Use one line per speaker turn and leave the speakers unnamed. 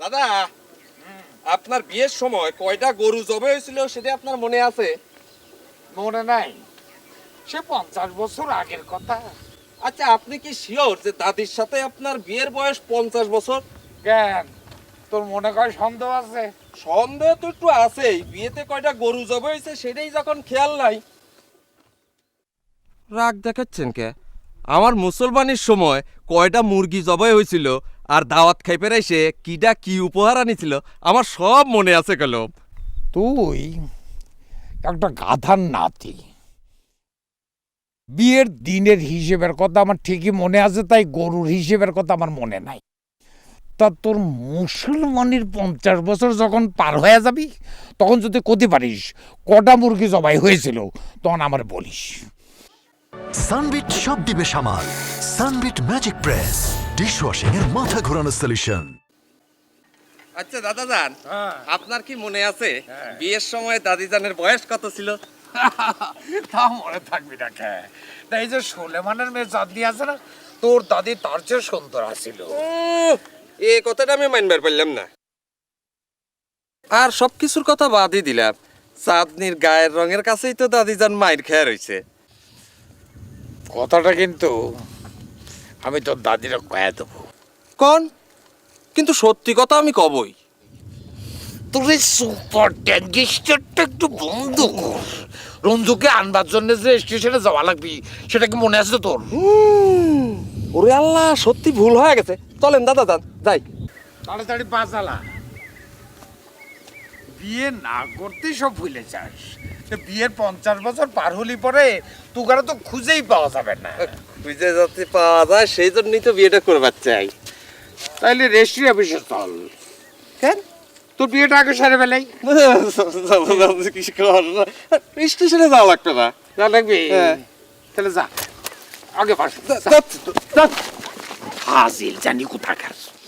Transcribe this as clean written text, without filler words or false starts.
দাদা, আপনার বিয়ের সময় কয়টা গরু জবে হয়েছিল সেটা আপনার মনে আছে?
মনে নাই, সে 50 বছর আগের কথা।
আচ্ছা, আপনি কি শিওর যে দাদির সাথে আপনার বিয়ের বয়স 50 বছর?
কেন, তোর মনে হয় সন্দেহ আছে?
সন্দেহ তো একটু আছেই। বিয়েতে কয়টা গরু জবে হয়েছে সেটাই যখন খেয়াল নাই। রাগ দেখাচ্ছেন কে? আমার মুসলমানের সময় কয়টা মুরগি জবাই হয়েছিল আর দাওয়াত খাইপে এসে কিডা কি উপহার আনিছিল আমার সব মনে আছে কলম।
তুই একটা গাধার নাতি। বিয়ের দিনের হিসেবের কথা আমার ঠিকই মনে আছে, তাই গরুর হিসেবের কথা আমার মনে নাই। তা তোর মুসলমানের 50 বছর যখন পার হয়ে যাবি, তখন যদি কতে পারিস কটা মুরগি জবাই হয়েছিল, তখন আমার বলিস।
সানবিট সব দিবে সামাল। সানবিট ম্যাজিক প্রেস ডিশওয়াশিং এর মাথা ঘোরানো সলিউশন।
আচ্ছা দাদা যান, আপনার কি মনে আছে বিয়ের সময় দাদি জানের বয়স কত ছিল?
তা মনে থাকবি না কে? এই যে সুলেমানের মেয়ে চাঁদনি আছে না, তোর দাদি তার চেয়ে সুন্দর আছিল।
এই কথাটা আমি মানবার পারলাম না। আর সবকিছুর কথা বাদই দিলাম, চাঁদনির গায়ের রঙের কাছেই তো দাদি যান মায়ের খেয়া রয়েছে।
কথাটা কিন্তু আমি তোর দাদিরা কয়ে দেবো।
কোন? কিন্তু সত্যি কথা আমি কবই।
তোর এই সুপার ট্যাঙ্গিস্টারটা একটু বন্ধ কর। রঞ্জুকে আনবার জন্য যে স্টেশনে যাওয়া লাগবি, সেটা কি মনে আছে তোর?
ওরে আল্লাহ, সত্যি ভুল হয়ে গেছে। চলেন দাদা যান, যাই।
তাড়াতাড়ি পা চালা। বিয়ে না করতেই সব ভুলে যাস। বিয়ের 50 বছর পার হলি পরে তুগারা তো খুঁজেই পাওয়া যাবে না।
খুঁজে যাতে পাওয়া যায় সেই জন্যই তো বিয়েটা করবার চাই।
তাইলে রেজিস্ট্রি অফিসে চল।
কেন?
তোর বিয়েটা আগে সারে বেলাই
স্টেশনে যাওয়া লাগতো না।
যা লাগবে, তাহলে যা আগে পাশ। হাজিল জানি কোথাকার।